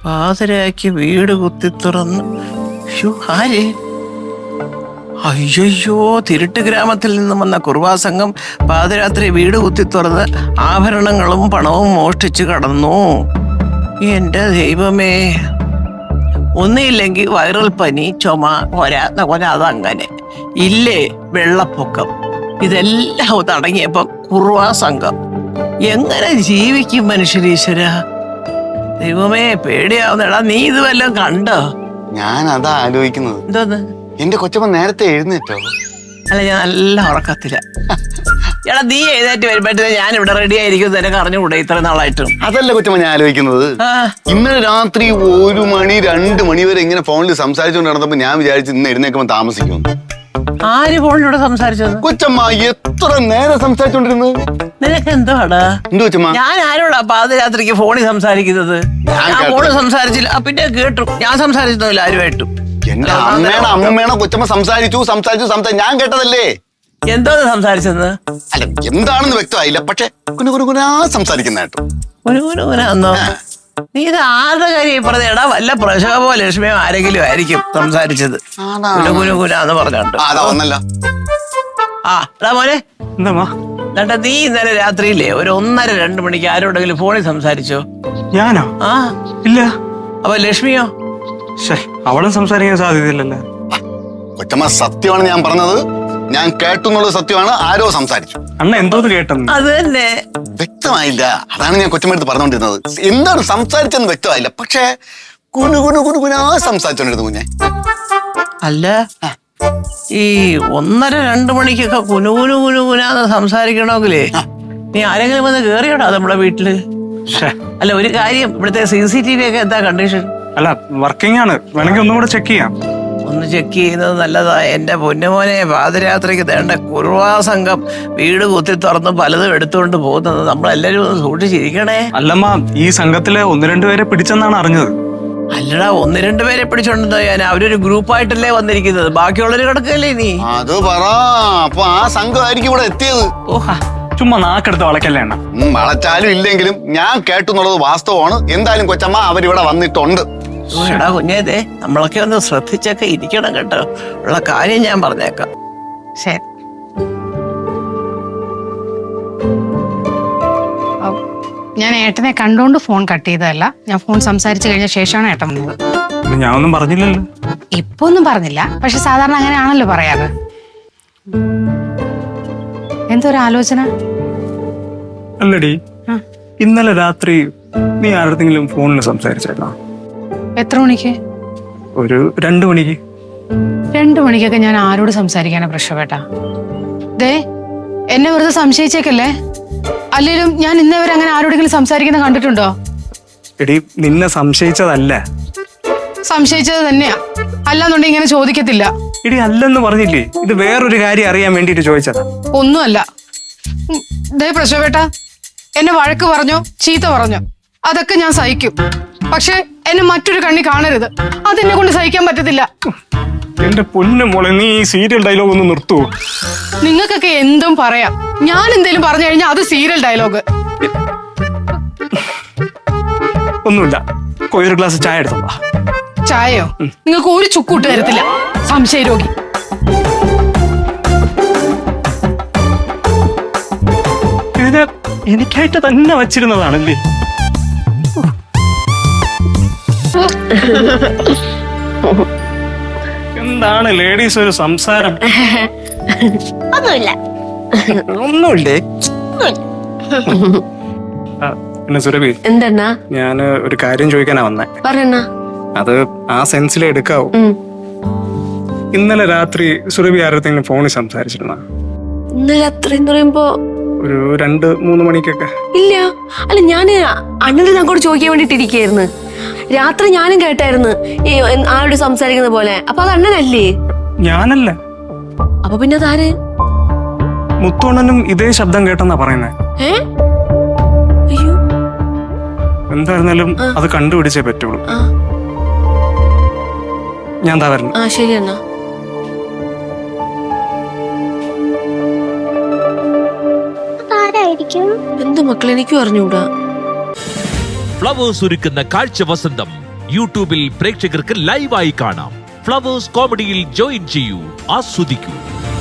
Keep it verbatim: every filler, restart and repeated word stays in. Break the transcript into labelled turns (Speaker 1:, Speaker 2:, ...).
Speaker 1: പാതിരാക്കി വീട് കുത്തി തുറന്ന് ആര്? അയ്യോ, തിരുട്ട് ഗ്രാമത്തിൽ നിന്നും വന്ന കുറുവാ സംഘം പാതിരാത്രി വീട് കുത്തി തുറന്ന് ആഭരണങ്ങളും പണവും മോഷ്ടിച്ചു കടന്നു. എന്റെ ദൈവമേ, ഒന്നുമില്ലെങ്കിൽ വൈറൽ പനി, ചുമ, കൊരാ കൊര അതങ്ങനെ, ഇല്ലേ വെള്ളപ്പൊക്കം, ഇതെല്ലാം തടങ്ങിയപ്പം കുറുവാ സംഘം. എങ്ങനെ ജീവിക്കും മനുഷ്യരീശ്വര? ദൈവമേ പേടിയാവുന്നടാ. നീ ഇത് വല്ലതും കണ്ടോ?
Speaker 2: ഞാൻ അതാ ആലോചിക്കുന്നത്.
Speaker 1: എന്തോന്ന്?
Speaker 2: എന്റെ കൊച്ചമ്മ നേരത്തെ എഴുന്നേറ്റോ?
Speaker 1: അല്ല, ഞാൻ നല്ല ഉറക്കത്തില്ല. എടാ, നീ എഴുന്നേറ്റ് വരുമ്പോഴത്തേ ഞാൻ ഇവിടെ റെഡി ആയിരിക്കും. നിനക്ക് അറിഞ്ഞുകൂടെ ഇത്ര നാളായിട്ടും?
Speaker 2: അതല്ല കൊച്ചമ്മ ഞാൻ ആലോചിക്കുന്നത്. ഇന്നലെ രാത്രി ഒരു മണി രണ്ട് മണി വരെ ഇങ്ങനെ ഫോണിൽ സംസാരിച്ചുകൊണ്ട് നടന്നപ്പോ ഞാൻ വിചാരിച്ചു ഇന്ന് എഴുന്നേക്കുമ്പോ താമസിക്കുമെന്ന്.
Speaker 1: ആര് ഫോണിലൂടെ സംസാരിച്ചത്?
Speaker 2: കൊച്ചമ്മ എത്ര നേരം സംസാരിച്ചോണ്ടിരുന്നത്.
Speaker 1: നിനക്ക് എന്തുവാടാ?
Speaker 2: എന്തു കൊച്ചമ്മ?
Speaker 1: ഞാൻ ആരോടാ പാതിരാത്രിക്ക് ഫോണിൽ സംസാരിക്കുന്നത്? ഞാൻ ഫോണിൽ സംസാരിച്ചില്ല. പിന്നെ കേട്ടു, ഞാൻ സംസാരിച്ചില്ല ആരുമായിട്ടും.
Speaker 2: എന്റെ അമ്മേണ അമ്മേണ കൊച്ചമ്മ സംസാരിച്ചു സംസാരിച്ചു സംസാരിച്ചു ഞാൻ കേട്ടതല്ലേ.
Speaker 1: എന്തോ സംസാരിച്ചത്?
Speaker 2: അല്ല, എന്താണെന്ന് വ്യക്തമായില്ല. പക്ഷെ കുനു കുനു കുനാ സംസാരിക്കുന്ന കേട്ടോ.
Speaker 1: കുനു കുനു കുനാന്നോ? നീ ഇത് ആരുടെ കാര്യം പറഞ്ഞേടാ? വല്ല പ്രശോഭോ ലക്ഷ്മിയോ ആരെങ്കിലും ആയിരിക്കും സംസാരിച്ചത്. കുനു കുനു കുനാന്ന് പറഞ്ഞോണ്ട്. ആ എടാ മോനെ, എന്താ നീ ഇന്നലെ രാത്രിയില്ലേ ഒരു ഒന്നര രണ്ട് മണിക്ക് ആരോടെങ്കിലും ഫോണിൽ സംസാരിച്ചോ?
Speaker 3: ഞാനോ?
Speaker 1: ആ
Speaker 3: ഇല്ല.
Speaker 1: അപ്പൊ ലക്ഷ്മിയോ?
Speaker 3: അവളും സംസാരിക്കാൻ സാധ്യതയില്ലല്ലോ.
Speaker 2: കൊച്ചമ്മ സത്യമാണ് ഞാൻ പറഞ്ഞത്. ഞാൻ കേട്ടു എന്നുള്ളത് സത്യമാണ്. ആരോ സംസാരിച്ചു.
Speaker 3: അണ്ണ എന്തോന്ന് കേട്ടെന്ന്?
Speaker 1: അത് തന്നെ
Speaker 2: വ്യക്തമായില്ല. അതാണ് ഞാൻ കൊച്ചമ്മടുത്ത് പറഞ്ഞുകൊണ്ടിരുന്നത്. എന്താണ് സംസാരിച്ചെന്ന് വ്യക്തമായില്ല. പക്ഷേ കുനു കുനു കുനു കുനാ സംസാരിച്ചോണ്ടിരുന്നു കുഞ്ഞെ.
Speaker 1: അല്ല, ഈ ഒന്നര രണ്ട് മണിക്കൊക്കെ കുനുകുനു കുനുകുനാന്ന് സംസാരിക്കണമെങ്കിലേ നീ ആരെങ്കിലും വന്ന് കേറിയോടാ നമ്മുടെ വീട്ടില്? അല്ല, ഒരു കാര്യം, ഇവിടുത്തെ സി സി ടി വി ഒക്കെ എന്താ കണ്ടീഷൻ?
Speaker 3: അല്ല, വർക്കിംഗ് ആണ്. വേണമെങ്കിൽ ഒന്നും കൂടെ ചെക്ക് ചെയ്യാം.
Speaker 1: ഒന്ന് ചെക്ക് ചെയ്യുന്നത് നല്ലതാ. എന്റെ പൊന്നുമോനെ, പാതിരാത്രിക്ക് വേണ്ട കുറുവാ സംഘം വീട് കുത്തി തുറന്ന് പലതും എടുത്തുകൊണ്ട് പോകുന്നത് നമ്മളെല്ലാരും ഒന്ന് സൂക്ഷിച്ചിരിക്കണേ.
Speaker 3: അല്ലമ്മ, ഈ സംഘത്തിലെ ഒന്ന് രണ്ടുപേരെ പിടിച്ചെന്നാണ് അറിഞ്ഞത്.
Speaker 1: അല്ലടാ, ഒന്ന് രണ്ടുപേരെ പിടിച്ചോണ്ടെന്തോ ഞാൻ? അവരൊരു ഗ്രൂപ്പായിട്ടല്ലേ വന്നിരിക്കുന്നത്. ബാക്കിയുള്ളവര് കിടക്കല്ലേ നീ?
Speaker 2: അത് പറ. അപ്പൊ ആ സംഘമായിരിക്കും ഇവിടെ എത്തിയത്.
Speaker 1: ഓഹാ,
Speaker 3: ചുമ്മാ നാക്കെടുത്ത് വളക്കല്ലേ എണ്ണ.
Speaker 2: വളച്ചാലും ഇല്ലെങ്കിലും ഞാൻ കേട്ടു എന്നുള്ളത് വാസ്തവമാണ്. എന്തായാലും കൊച്ചമ്മ അവരിവിടെ വന്നിട്ടുണ്ട്.
Speaker 1: എടാ കുഞ്ഞേതേ, നമ്മളൊക്കെ ഒന്ന് ശ്രദ്ധിച്ചൊക്കെ ഇരിക്കണം കേട്ടോ. ഉള്ള കാര്യം ഞാൻ പറഞ്ഞേക്കാം. ശരി.
Speaker 4: ഞാൻ ഏട്ടനെ കണ്ടോണ്ട് ഫോൺ കട്ട് ചെയ്തതല്ല. ഞാൻ ഫോൺ സംസാരിച്ചു കഴിഞ്ഞ ശേഷമാണ് ഏട്ടൻ വന്നത്.
Speaker 3: ഞാൻ ഒന്നും പറഞ്ഞില്ലല്ലോ.
Speaker 4: ഇപ്പൊ ഒന്നും പറഞ്ഞില്ല, പക്ഷെ സാധാരണ അങ്ങനെയാണല്ലോ പറയാറ്. എന്തൊരു ആലോചന?
Speaker 3: അല്ലടി, ഇന്നലെ രാത്രി നീ ആരുടെങ്കിലും ഫോണിൽ സംസാരിച്ചേക്കാം?
Speaker 4: എത്ര മണിക്ക്?
Speaker 3: ഒരു രണ്ടു മണിക്ക്.
Speaker 4: രണ്ടു മണിക്കൊക്കെ ഞാൻ ആരോട് സംസാരിക്കാനാ പ്രശ്നപ്പെട്ട? ദേ, എന്നെ വെറുതെ സംശയിച്ചേക്കല്ലേ. അല്ലെങ്കിലും ഞാൻ ഇന്നേവരെ അങ്ങനെ ആരോടെങ്കിലും സംസാരിക്കുന്ന കണ്ടിട്ടുണ്ടോ?
Speaker 3: എടി, നിന്നെ സംശയിച്ചതല്ല.
Speaker 4: സംശയിച്ചത് തന്നെയാ. അല്ലാന്നുണ്ടെങ്കിൽ ഇങ്ങനെ ചോദിക്കത്തില്ല.
Speaker 3: എടി, അല്ലെന്ന് പറഞ്ഞില്ലേ? ഇത് വേറൊരു കാര്യം അറിയാൻ വേണ്ടിട്ട് ചോദിച്ചതാ.
Speaker 4: ഒന്നുമല്ല. ദേ പ്രശോഭേട്ട, എന്നെ വഴക്ക് പറഞ്ഞോ ചീത്ത പറഞ്ഞോ അതൊക്കെ ഞാൻ സഹിക്കും. പക്ഷെ എന്നെ മറ്റൊരു കണ്ണി കാണരുത്. അതെന്നെ കൊണ്ട് സഹിക്കാൻ പറ്റത്തില്ല.
Speaker 3: എന്റെ പൊന്നു മോളെ, നീ ഈ സീരിയൽ ഡയലോഗ് ഒന്ന് നിർത്തൂ.
Speaker 4: നിങ്ങൾക്കൊക്കെ എന്തും പറയാം. ഞാൻ എന്തേലും പറഞ്ഞു കഴിഞ്ഞാൽ അത് സീരിയൽ ഡയലോഗ്.
Speaker 3: ഒന്നുമില്ല, ഒരു ഗ്ലാസ് ചായ എടുത്തോളാ.
Speaker 4: ചായയോ? നിങ്ങൾക്ക് ഒരു ചുക്കൂട്ട് തരത്തില്ല, സംശയരോഗി.
Speaker 3: ഇത് എനിക്കായിട്ട് തന്നെ വച്ചിരുന്നതാണല്ലേ? എന്താണ് ലേഡീസ് ഒരു സംസാരം?
Speaker 5: ഒന്നുമില്ല.
Speaker 3: ഒന്നുമില്ലേ? പിന്നെ സുരഭി,
Speaker 5: എന്തെന്നാ?
Speaker 3: ഞാന് ഒരു കാര്യം ചോദിക്കാനാ വന്നേ.
Speaker 5: പറഞ്ഞ
Speaker 3: അത് ആ സെൻസിലെ എടുക്കാവൂ. ഇന്നലെ രാത്രി സുരഭി ആരത്തെങ്കിലും ഫോണിൽ സംസാരിച്ചിരുന്ന?
Speaker 5: ഇന്നലെ രാത്രി എന്ന് പറയുമ്പോ
Speaker 3: ഒരു രണ്ട് മൂന്ന് മണിക്കൊക്കെ.
Speaker 5: ഇല്ല. അല്ല, ഞാന് അണ്ണന്റെ അങ്ങോട്ട് ചോദിക്കാൻ വേണ്ടിട്ട് ഇരിക്കായിരുന്നു. രാത്രി ഞാനും കേട്ടായിരുന്നു ഈ ആരോട് സംസാരിക്കുന്ന പോലെ. അപ്പൊ അത് അണ്ണനല്ലേ?
Speaker 3: ഞാനല്ല.
Speaker 5: അപ്പൊ പിന്നെ അതാര്?
Speaker 3: മുത്തോണ്ണനും ഇതേ ശബ്ദം കേട്ടെന്നാ പറയുന്നേ.
Speaker 5: ഏ അയ്യോ,
Speaker 3: എന്തായിരുന്നാലും അത് കണ്ടുപിടിച്ചേ പറ്റുള്ളൂ. ഞാൻ താ വരുന്നു.
Speaker 5: ആ ശരി എന്നാ.
Speaker 6: എന്ത് മക്കളെ, എനിക്കും അറിഞ്ഞൂടാ.
Speaker 7: ഫ്ലവേഴ്സ് ഒരുക്കുന്ന കാഴ്ച വസന്തം
Speaker 6: യൂട്യൂബിൽ പ്രേക്ഷകർക്ക് ലൈവായി കാണാം. ഫ്ലവേഴ്സ് കോമഡിയിൽ ജോയിൻ ചെയ്യൂ, ആസ്വദിക്കൂ.